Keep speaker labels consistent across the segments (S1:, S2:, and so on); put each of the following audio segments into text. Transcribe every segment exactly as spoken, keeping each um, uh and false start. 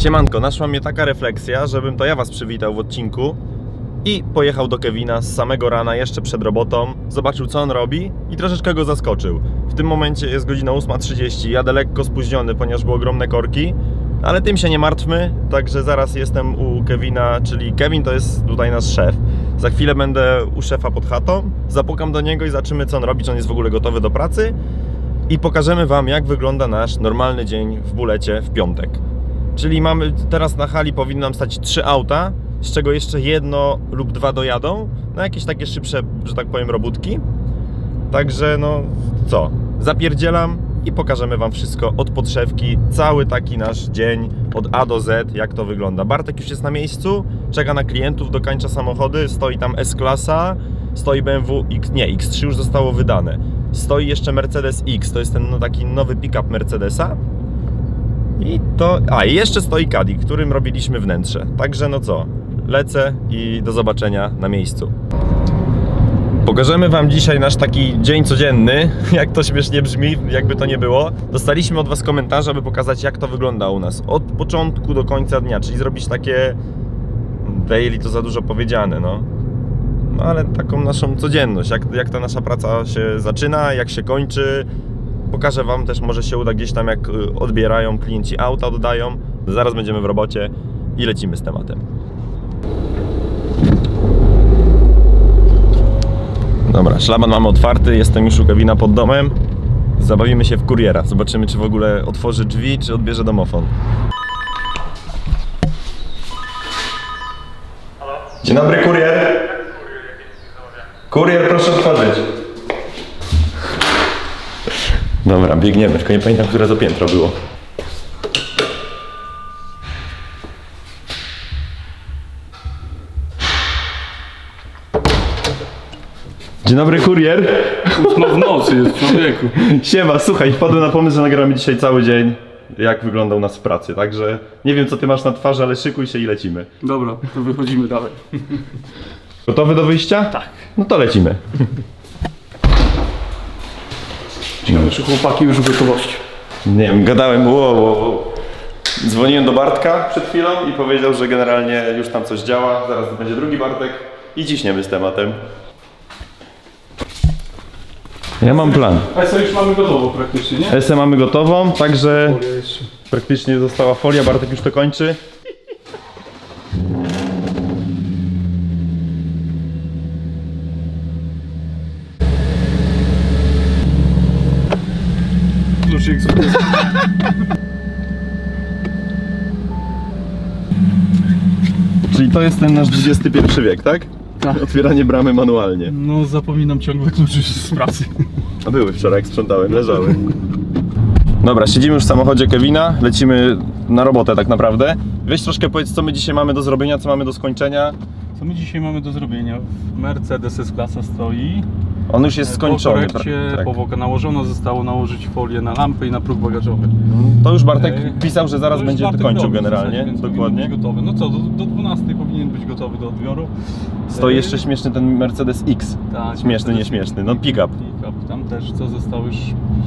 S1: Siemanko, naszła mnie taka refleksja, żebym to ja was przywitał w odcinku i pojechał do Kevina z samego rana, jeszcze przed robotą, zobaczył co on robi i troszeczkę go zaskoczył. W tym momencie jest godzina ósma trzydzieści, jadę lekko spóźniony, ponieważ były ogromne korki, ale tym się nie martwmy, także zaraz jestem u Kevina, czyli Kevin to jest tutaj nasz szef. Za chwilę będę u szefa pod chatą, zapukam do niego i zobaczymy co on robi, czy on jest w ogóle gotowy do pracy i pokażemy wam jak wygląda nasz normalny dzień w Bulecie w piątek. Czyli mamy teraz na hali powinny nam stać trzy auta, z czego jeszcze jedno lub dwa dojadą na jakieś takie szybsze, że tak powiem, robótki. Także no co, zapierdzielam i pokażemy wam wszystko od podszewki, cały taki nasz dzień od A do Z, jak to wygląda. Bartek już jest na miejscu, czeka na klientów, dokańcza samochody, stoi tam S-klasa, stoi B M W X, nie, X trzy już zostało wydane. Stoi jeszcze Mercedes X, to jest ten no, taki nowy pick-up Mercedesa. I to, a i jeszcze stoi Caddy, którym robiliśmy wnętrze. Także no co, lecę i do zobaczenia na miejscu. Pokażemy wam dzisiaj nasz taki dzień codzienny, jak to śmiesznie brzmi, jakby to nie było. Dostaliśmy od was komentarze, aby pokazać jak to wygląda u nas od początku do końca dnia, czyli zrobić takie daily, to za dużo powiedziane, no. No ale taką naszą codzienność, jak, jak ta nasza praca się zaczyna, jak się kończy. Pokażę wam też, może się uda gdzieś tam jak odbierają klienci auta, oddają. Zaraz będziemy w robocie i lecimy z tematem. Dobra, szlaban mamy otwarty, jestem już u Kevina pod domem. Zabawimy się w kuriera, zobaczymy czy w ogóle otworzy drzwi, czy odbierze domofon.
S2: Halo?
S1: Dzień dobry, kurier. Kurier, proszę otworzyć. Dobra, biegniemy, tylko nie pamiętam, które to piętro było. Dzień dobry, kurier.
S2: No w nocy jest, człowieku.
S1: Siema, słuchaj, wpadłem na pomysł, że nagramy dzisiaj cały dzień, jak wygląda u nas w pracy, także nie wiem co ty masz na twarzy, ale szykuj się i lecimy.
S2: Dobra, to wychodzimy dalej.
S1: Gotowy do wyjścia?
S2: Tak.
S1: No to lecimy.
S2: Ciekawe, czy chłopaki już w gotowości.
S1: Nie wiem, gadałem, wow, wow, wow. Dzwoniłem do Bartka przed chwilą i powiedział, że generalnie już tam coś działa, zaraz będzie drugi Bartek i ciśniemy z tematem. Ja mam plan.
S2: A co już mamy gotowo praktycznie, nie?
S1: S M mamy gotową, także
S2: Folia jeszcze.
S1: praktycznie została folia, Bartek już to kończy.
S2: Kluczyk z
S1: Czyli to jest ten nasz dwudziesty pierwszy wiek, tak?
S2: Tak.
S1: Otwieranie bramy manualnie.
S2: No zapominam ciągle kluczy z pracy.
S1: A były wczoraj, jak sprzątałem, leżały. Dobra, siedzimy już w samochodzie Kevina, lecimy na robotę tak naprawdę. Weź troszkę powiedz, co my dzisiaj mamy do zrobienia, co mamy do skończenia.
S2: Co my dzisiaj mamy do zrobienia? Mercedes S-klasa stoi.
S1: On już jest skończony.
S2: Po korekcie
S1: tak.
S2: powłoka nałożono, zostało nałożyć folię na lampę i na próg bagażowy.
S1: To już Bartek
S2: Ej,
S1: pisał, że zaraz
S2: to już
S1: będzie
S2: Bartek
S1: kończył
S2: robi w
S1: generalnie,
S2: zasadzie, więc
S1: dokładnie.
S2: powinien być gotowy. No co, do, do dwunastej powinien być gotowy do odbioru.
S1: Stoi
S2: Ej,
S1: jeszcze śmieszny ten Mercedes X.
S2: tak,
S1: Śmieszny,
S2: Mercedes-
S1: nieśmieszny, no pick-up.
S2: Pick-up. Tam też co został już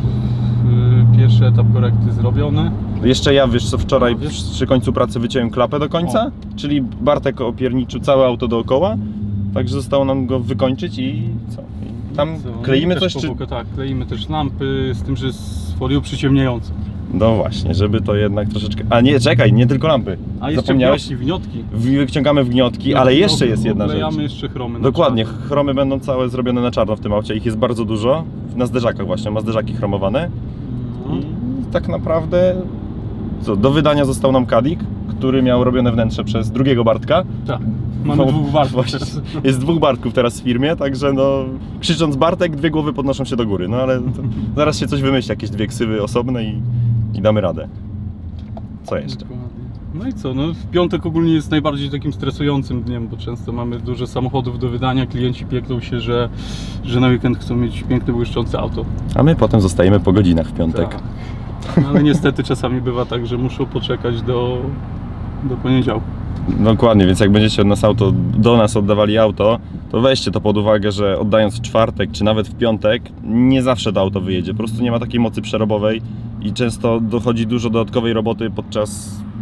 S2: yy, pierwszy etap korekty zrobiony.
S1: Jeszcze ja, wiesz co, wczoraj
S2: No, wiesz-
S1: przy końcu pracy wyciąłem klapę do końca, czyli Bartek opierniczył całe auto dookoła, także zostało nam go wykończyć i co? I tam
S2: Co?
S1: kleimy
S2: I
S1: coś,
S2: też
S1: czy...
S2: powłokę, tak, kleimy też lampy z tym, że z folią przyciemniającą.
S1: No właśnie, żeby to jednak troszeczkę... A nie, czekaj, nie tylko lampy.
S2: A jeszcze
S1: Zapomniałeś?
S2: wniotki, wniotki.
S1: Wyciągamy wgniotki, ale jeszcze jest jedna rzecz.
S2: Wklejamy jeszcze chromy na
S1: Dokładnie,
S2: czarno.
S1: chromy będą całe zrobione na czarno w tym aucie, ich jest bardzo dużo. Na zderzakach właśnie, ma zderzaki chromowane.
S2: No.
S1: I tak naprawdę, co, do wydania został nam Caddy, który miał robione wnętrze przez drugiego Bartka.
S2: Tak, mamy
S1: No,
S2: dwóch warstw
S1: właśnie.
S2: teraz.
S1: Jest dwóch Bartków teraz w firmie, także no, krzycząc Bartek, dwie głowy podnoszą się do góry. No ale to, zaraz się coś wymyśli, jakieś dwie ksywy osobne i, i damy radę. Co jeszcze?
S2: Dokładnie. No i co, no w piątek ogólnie jest najbardziej takim stresującym dniem, bo często mamy dużo samochodów do wydania, klienci pieklą się, że, że na weekend chcą mieć piękne, błyszczące auto.
S1: A my potem zostajemy po godzinach w piątek.
S2: Tak. No, ale niestety czasami bywa tak, że muszą poczekać do, do poniedziałku.
S1: Dokładnie, więc jak będziecie od nas auto, do nas oddawali auto, to weźcie to pod uwagę, że oddając w czwartek czy nawet w piątek, nie zawsze to auto wyjedzie. Po prostu nie ma takiej mocy przerobowej i często dochodzi dużo dodatkowej roboty podczas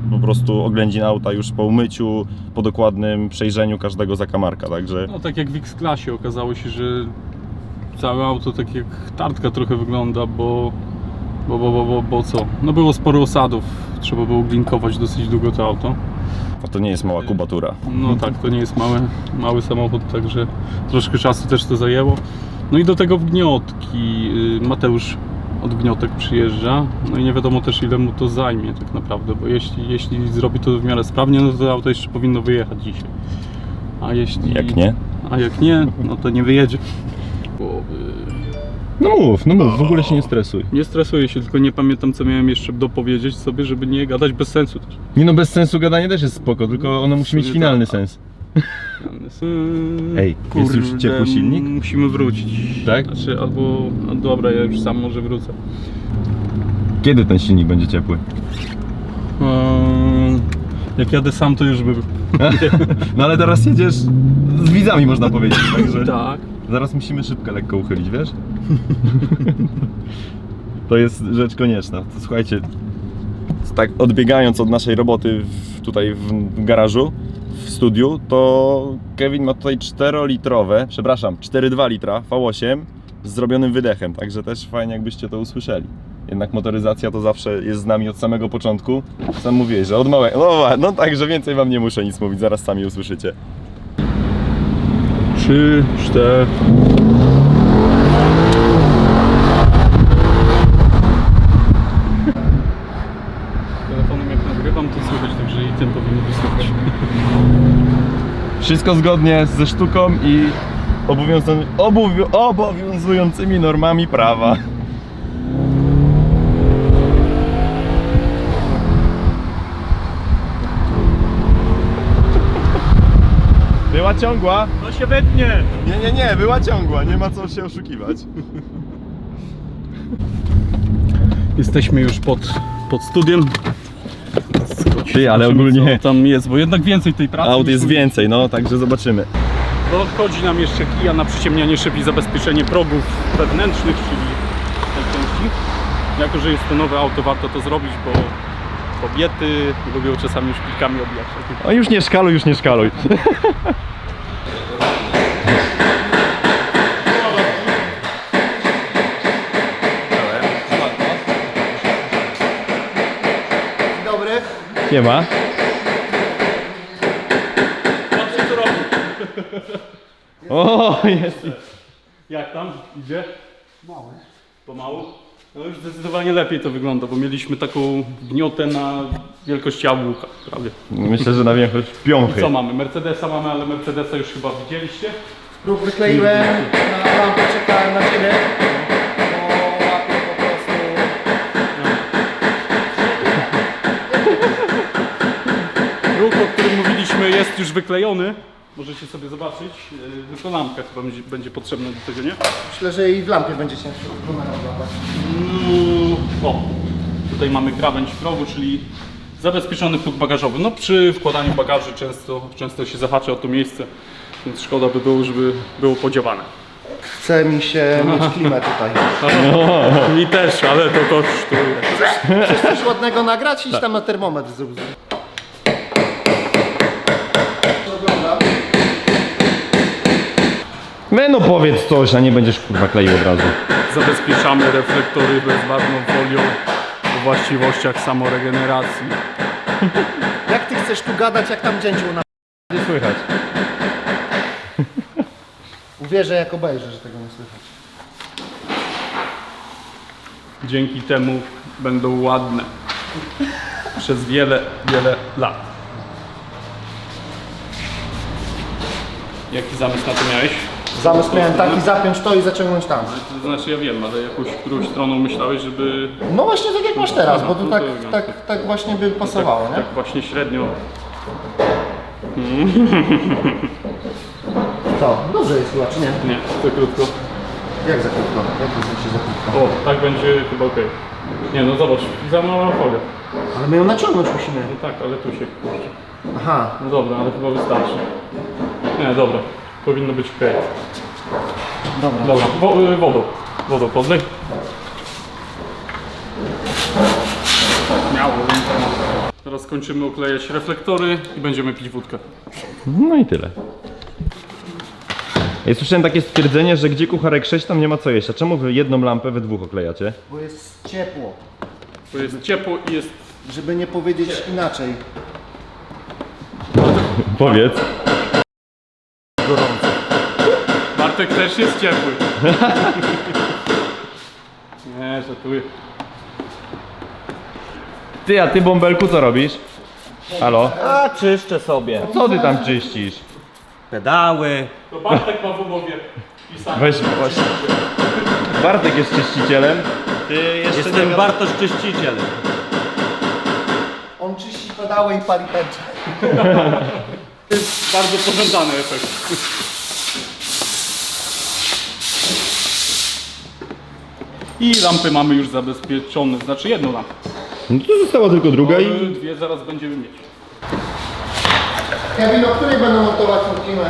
S1: po prostu oględzin auta już po umyciu, po dokładnym przejrzeniu każdego zakamarka, także...
S2: No tak jak w X-Klasie okazało się, że całe auto tak jak tartka trochę wygląda, bo, bo, bo, bo, bo, bo co? No było sporo osadów, trzeba było glinkować dosyć długo to auto.
S1: A to nie jest mała kubatura.
S2: No tak, to nie jest mały, mały samochód, także troszkę czasu też to zajęło. No i do tego wgniotki. Mateusz od gniotek przyjeżdża, no i nie wiadomo też ile mu to zajmie tak naprawdę, bo jeśli, jeśli zrobi to w miarę sprawnie, no to auto jeszcze powinno wyjechać dzisiaj. A jeśli...
S1: Jak nie?
S2: A jak nie, no to nie wyjedzie. Bo, yy,
S1: No mów, no mów, w ogóle się nie stresuj.
S2: nie stresuję się, tylko nie pamiętam co miałem jeszcze dopowiedzieć sobie, żeby nie gadać bez sensu też.
S1: Nie no, bez sensu gadanie też jest spoko, tylko ono musi mieć
S2: Sobie
S1: finalny
S2: tak.
S1: sens.
S2: Yy,
S1: Ej, jest już ciepły silnik?
S2: Musimy wrócić.
S1: Tak?
S2: Znaczy, albo... No dobra, ja już sam może wrócę.
S1: Kiedy ten silnik będzie ciepły?
S2: Yy, jak jadę sam, to już by był.
S1: No ale teraz jedziesz z widzami, można powiedzieć, także...
S2: Tak.
S1: Zaraz musimy szybkę lekko uchylić, wiesz? To jest rzecz konieczna. To słuchajcie, tak odbiegając od naszej roboty w, tutaj w garażu, w studiu, to Kevin ma tutaj czterolitrowe, przepraszam, cztery przecinek dwa litra V osiem z zrobionym wydechem, także też fajnie jakbyście to usłyszeli. Jednak motoryzacja to zawsze jest z nami od samego początku. Sam mówiłeś, że od małego. No, no także więcej wam nie muszę nic mówić, zaraz sami usłyszycie.
S2: Trzy, cztery. Telefonem jak nagrywam, to słychać, także i tym powinno być słychać.
S1: Wszystko zgodnie ze sztuką i obowiązu- obowiu- obowiązującymi normami prawa. Była ciągła?
S2: No się wytnie!
S1: Nie, nie, nie, była ciągła, nie ma co się oszukiwać.
S2: Jesteśmy już pod, pod studiem.
S1: Ty, ale
S2: Zobaczymy,
S1: ogólnie
S2: co tam jest, bo jednak więcej tej pracy.
S1: aut
S2: niż
S1: jest
S2: tu-
S1: więcej, no także zobaczymy.
S2: Dochodzi nam jeszcze kija na przyciemnianie szyb i zabezpieczenie progów wewnętrznych, czyli tej części. Jako że jest to nowe auto, warto to zrobić, bo kobiety lubią czasami szpilkami obijać.
S1: O już nie szkaluj, już nie szkaluj.
S3: Dobry.
S1: Nie ma.
S2: Patrzcie co robi.
S1: O, jest.
S2: Jak tam? Idzie? Mały. Pomału? No już zdecydowanie lepiej to wygląda, bo mieliśmy taką gniotę na wielkość jabłka prawie.
S1: Myślę, że na większość
S2: I
S1: piąchy.
S2: co mamy? Mercedesa mamy, ale Mercedesa już chyba widzieliście.
S3: Próg wykleiłem, na lampę czekałem na ciebie. Bo łapię po prostu.
S2: Próg, o którym mówiliśmy, jest już wyklejony. Możecie sobie zobaczyć. Yy, Tylko lampka chyba będzie, będzie potrzebna do tego, nie?
S3: Myślę, że i w lampie będzie ciężko kamerę złapać.
S2: No, o, tutaj mamy krawędź progu, czyli zabezpieczony próg bagażowy. No przy wkładaniu bagaży często, często się zahacza o to miejsce, więc szkoda by było, żeby było podziałane.
S3: Chce mi się mieć klimę tutaj.
S2: Mi też, ale to kosztuje.
S3: Chcesz coś ładnego nagrać? Idź tam na termometr zrób. Oglądam.
S1: Me no powiedz coś, a nie będziesz kurwa kleił od razu.
S2: Zabezpieczamy reflektory bezbarwną folią o właściwościach samoregeneracji.
S3: Jak ty chcesz tu gadać, jak tam dzięciu na...
S1: Nie słychać.
S3: Uwierzę, jak obejrzę, że tego nie słychać.
S2: Dzięki temu będą ładne przez wiele, wiele lat. Jaki zamysł na to miałeś?
S3: Zamysł miałem taki, zapiąć to i zaciągnąć tam.
S2: To znaczy ja wiem, ale jakąś którąś stroną myślałeś, żeby
S3: No właśnie tak jak masz teraz, bo to
S2: No
S3: tak,
S2: to
S3: tak, tak właśnie by pasowało,
S2: tak,
S3: nie?
S2: tak właśnie średnio.
S3: To, dobrze jest chyba, czy nie?
S2: Nie, to krótko.
S3: Jak za krótko? Jak to znaczy za krótko?
S2: O, tak będzie chyba ok. Nie no zobacz, za mała folia.
S3: Ale my ją naciągnąć musimy.
S2: No tak, ale tu się kurczę.
S3: Aha,
S2: No dobra, ale chyba wystarczy. Nie, dobra. Powinno być ok.
S3: dobra.
S2: Dobra, wo, y, wodą. Wodą podlej. Miało. Teraz Zaraz kończymy oklejać reflektory i będziemy pić wódkę.
S1: No i tyle. Ja słyszałem takie stwierdzenie, że gdzie kucharek sześć, tam nie ma co jeść. A czemu wy jedną lampę we dwóch oklejacie?
S3: Bo jest ciepło.
S2: To jest ciepło i jest...
S3: Żeby nie powiedzieć inaczej.
S1: Powiedz.
S3: Gorąco.
S2: Bartek też jest ciepły. Nie, żartuję.
S1: Ty, a ty bąbelku co robisz? Halo?
S4: A czyszczę sobie.
S1: Co ty tam czyścisz?
S4: Pedały.
S2: To Bartek ma w umowie pisane.
S1: Weź właśnie. Bartek jest czyścicielem. Ty jeszcze
S4: Jestem
S1: nie
S4: Bartosz czyściciel.
S3: On czyści pedały i pali tęczę.
S2: To jest bardzo pożądany efekt. I lampy mamy już zabezpieczone, znaczy jedną lampę.
S1: No to została tylko druga
S2: Ale
S1: i...
S2: dwie zaraz będziemy mieć.
S3: Kevin, o której będę montować tą klimę?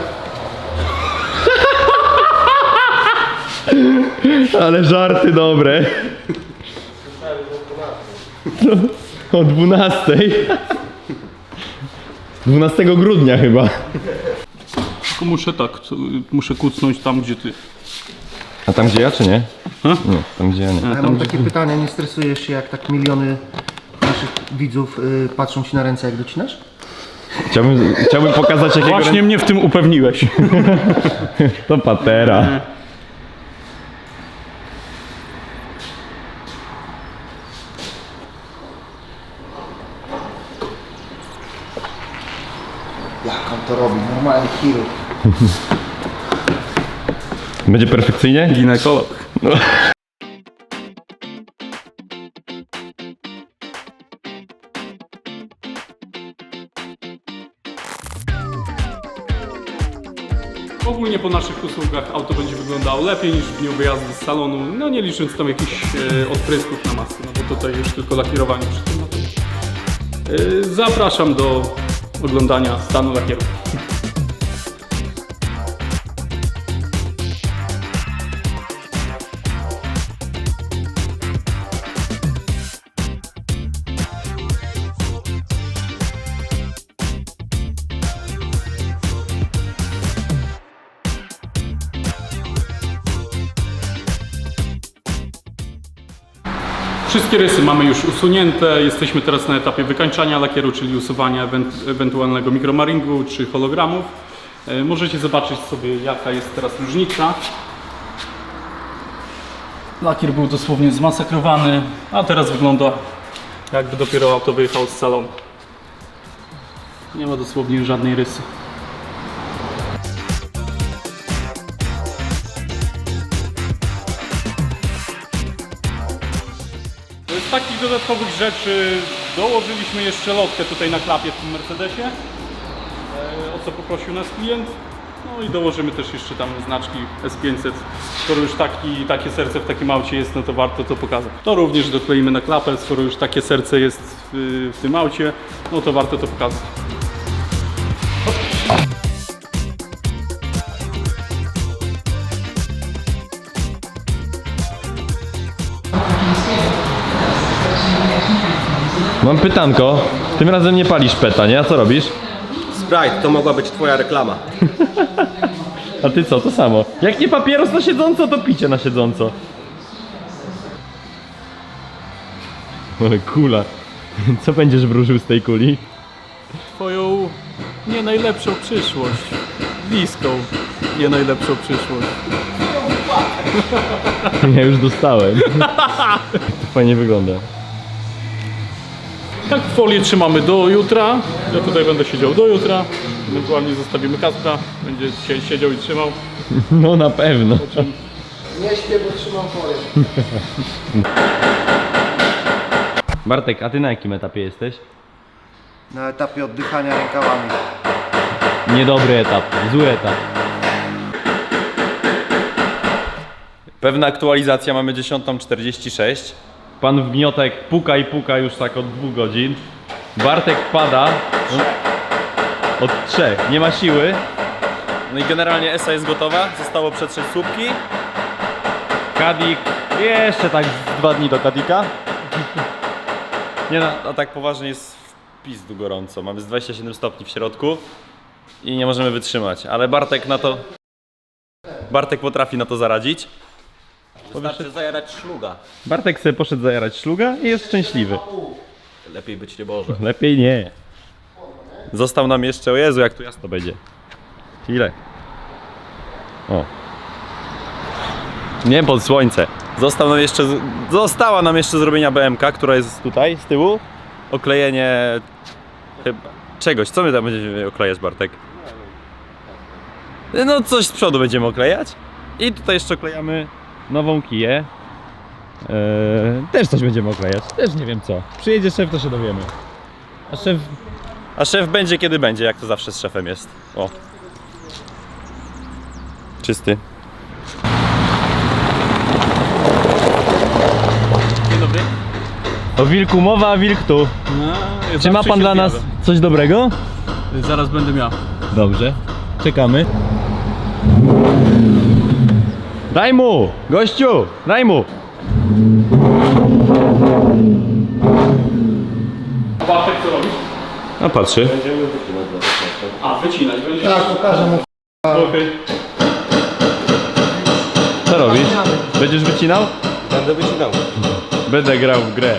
S1: Ale żarty dobre. No, o dwunastej. dwunastego grudnia chyba.
S2: Tylko muszę tak, co- muszę kucnąć tam gdzie ty.
S1: A tam gdzie ja czy nie?
S2: Ha?
S1: Nie, tam gdzie ja nie.
S3: Ja mam takie pytanie, nie stresujesz się jak tak miliony naszych widzów y, patrzą ci na ręce jak docinasz?
S1: Chciałbym, chciałbym pokazać jakiego...
S2: Właśnie mnie w tym upewniłeś.
S1: To patera.
S3: Jak on to robi? Normalny chirurg.
S1: Będzie perfekcyjnie?
S2: Ginekolog. Ogólnie po naszych usługach auto będzie wyglądało lepiej niż w dniu wyjazdu z salonu, no nie licząc tam jakichś e, odprysków na masce, no bo tutaj już tylko lakierowanie przy tym. No to, e, zapraszam do oglądania stanu lakieru. Wszystkie rysy mamy już usunięte, jesteśmy teraz na etapie wykańczania lakieru, czyli usuwania ewent ewentualnego mikromaringu czy hologramów. E, możecie zobaczyć sobie jaka jest teraz różnica. Lakier był dosłownie zmasakrowany, a teraz wygląda jakby dopiero auto wyjechało z salonu. Nie ma dosłownie żadnej rysy. Z takich dodatkowych rzeczy dołożyliśmy jeszcze lotkę tutaj na klapie w tym Mercedesie, e, o co poprosił nas klient. No i dołożymy też jeszcze tam znaczki S pięćset. Skoro już taki, takie serce w takim aucie jest, no to warto to pokazać. To również dokleimy na klapę, skoro już takie serce jest w, w tym aucie, no to warto to pokazać.
S1: Mam pytanko. Tym razem nie palisz peta, nie? A co robisz?
S4: Sprite, to mogła być twoja reklama.
S1: A ty co? To samo. Jak nie papieros na siedząco, to picie na siedząco. Ale kula. Co będziesz wróżył z tej kuli?
S2: Twoją nie najlepszą przyszłość. Bliską nie najlepszą przyszłość.
S1: Ja już dostałem. To fajnie wygląda.
S2: Tak, folię trzymamy do jutra. Ja tutaj będę siedział do jutra. Ewentualnie zostawimy Kaspra. Będzie dzisiaj siedział i trzymał.
S1: No na pewno.
S3: Nie śpię, bo trzymam folię.
S1: Bartek, a ty na jakim etapie jesteś?
S3: Na etapie oddychania rękawami.
S1: Niedobry etap, zły etap. Pewna aktualizacja, mamy dziesiąta czterdzieści sześć. Pan Wgniotek puka i puka już tak od dwóch godzin. Bartek pada od trzech, nie ma siły. No i generalnie Esa jest gotowa, zostało przetrzeć słupki. Kadik, jeszcze tak z dwa dni do Kadika. Nie no, a tak poważnie jest pizdu gorąco. Mamy z dwadzieścia siedem stopni w środku i nie możemy wytrzymać, ale Bartek na to... Bartek potrafi na to zaradzić.
S4: Wystarczy zajarać szluga.
S1: Bartek sobie poszedł zajarać szluga i jest szczęśliwy.
S4: Lepiej być nie może.
S1: Lepiej nie. Został nam jeszcze, o Jezu, jak tu jasno będzie. Ile? O. Nie pod słońce. Został nam jeszcze, została nam jeszcze zrobienia B M K, która jest tutaj, z tyłu. Oklejenie... Chyba... Czegoś, co my tam będziemy oklejać, Bartek? No coś z przodu będziemy oklejać. I tutaj jeszcze oklejamy nową kiję. Eee, też coś będziemy oklejać. Też nie wiem co. Przyjedzie szef, to się dowiemy. A szef... A szef będzie kiedy będzie, jak to zawsze z szefem jest. O. Czysty.
S2: Dzień dobry.
S1: O wilku mowa, a wilk tu.
S2: No,
S1: Czy ma pan dla nas coś dobrego?
S2: Zaraz będę miał.
S1: Dobrze. Czekamy. Daj mu! Gościu! Daj mu!
S2: Bartek, co robisz?
S1: A patrzy.
S2: A, wycinać będziesz?
S3: Tak, pokażę mu.
S2: Okej.
S1: Co robisz? Będziesz wycinał?
S4: Będę wycinał.
S1: Będę grał w grę.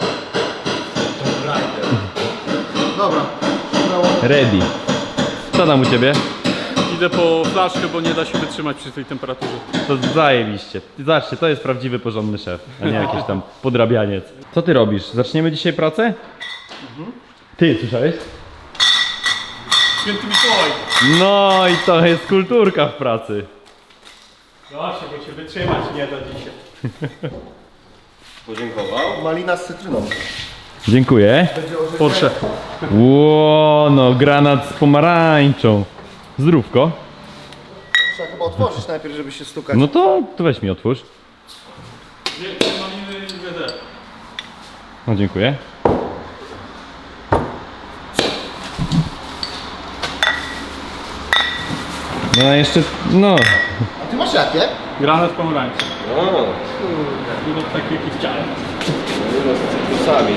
S3: Dobra.
S1: Ready. Co tam u ciebie?
S2: Idę po flaszkę, bo nie da się wytrzymać przy tej temperaturze.
S1: To zajebiście. Zobaczcie, to jest prawdziwy, porządny szef, a nie jakiś tam podrabianiec. Co ty robisz? Zaczniemy dzisiaj pracę? Ty, słyszałeś?
S2: Święty Mikołaj.
S1: No i to jest kulturka w pracy.
S2: Zobaczcie, bo się wytrzymać nie da dzisiaj.
S4: Podziękował.
S3: Malina z cytryną.
S1: Dziękuję.
S2: Porsche.
S1: Ło, no granat z pomarańczą. Zdrówko.
S3: Trzeba chyba otworzyć najpierw, żeby się stukać.
S1: No to, to weź mi otwórz.
S2: Nie, maliny nie będę.
S1: No dziękuję. No a jeszcze, no.
S3: A ty masz jakie?
S2: Granat pomarańczy.
S4: O,
S2: No taki jaki chciałem.
S4: z cytrusami.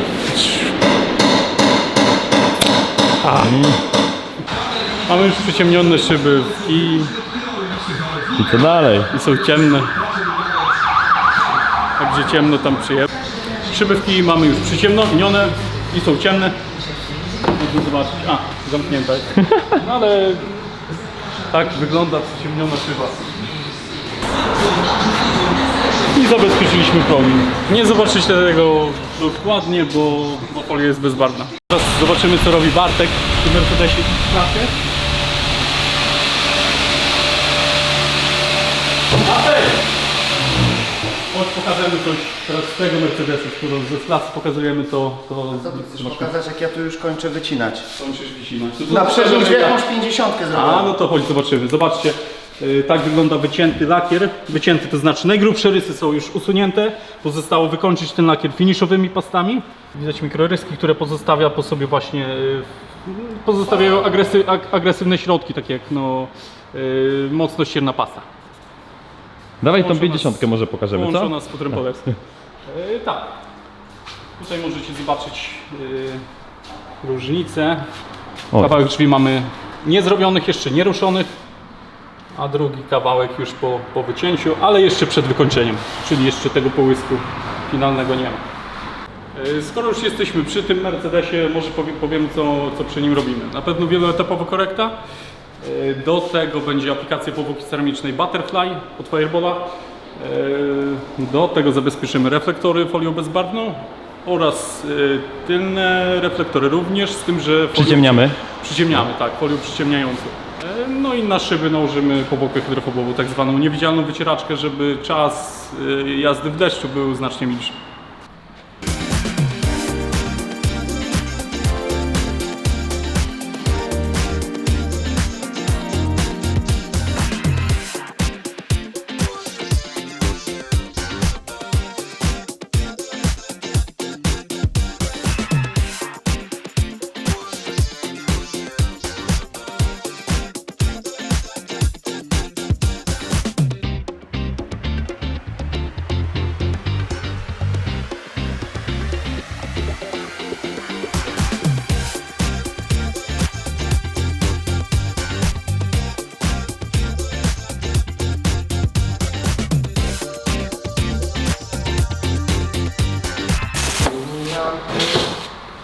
S2: Mamy już przyciemnione szyby i,
S1: I co dalej?
S2: i są ciemne. Także ciemno tam przyjechać. Szyby w kij mamy już przyciemnione i są ciemne. Można zobaczyć. A, zamknięta jest. No ale tak wygląda przyciemniona szyba. I zabezpieczyliśmy promień. Nie zobaczycie tego dokładnie, bo, bo folia jest bezbarwna. Teraz zobaczymy, co robi Bartek w tym Mercedesie w klasie. Bartek! Chodź, pokażemy coś teraz z tego Mercedesa, skoro ze klasy pokazujemy to... to
S3: Co ty chcesz pokazać, jak ja tu już kończę wycinać?
S2: Kończysz wycinać. To to
S3: Na
S2: pokażemy
S3: przeżyć
S2: jak-
S3: jakąś pięćdziesiątkę
S2: A,
S3: zrobiłem.
S2: no to chodź, zobaczymy. Zobaczcie, yy, tak wygląda wycięty lakier. Wycięty to znaczy najgrubsze rysy są już usunięte. Pozostało wykończyć ten lakier finiszowymi pastami. Widać mikroryski, które pozostawia po sobie właśnie, yy, pozostawiają agresy, ag, agresywne środki, takie jak no, yy, mocno ścierna pasta.
S1: Dawaj tą
S2: Połączona
S1: pięćdziesiątkę może pokażemy, co?
S2: Połączona z futrem polerskim. Yy, tak. Tutaj możecie zobaczyć yy, różnicę.
S1: O.
S2: Kawałek drzwi mamy niezrobionych, jeszcze nieruszonych, a drugi kawałek już po, po wycięciu, ale jeszcze przed wykończeniem, czyli jeszcze tego połysku finalnego nie ma. Yy, Skoro już jesteśmy przy tym Mercedesie, może powie, powiemy co, co przy nim robimy. Na pewno wieloetapowa korekta. Yy, Do tego będzie aplikacja powłoki ceramicznej Butterfly od Firebola. Yy, Do tego zabezpieczymy reflektory folią bezbarwną oraz yy, tylne reflektory również, z tym, że folią
S1: Przyciemniamy.
S2: Przyciemniamy, tak, folią przyciemniającą. E, No i na szyby nałożymy powłokę hydrofobową, tak zwaną niewidzialną wycieraczkę, żeby czas e, jazdy w deszczu był znacznie milszy.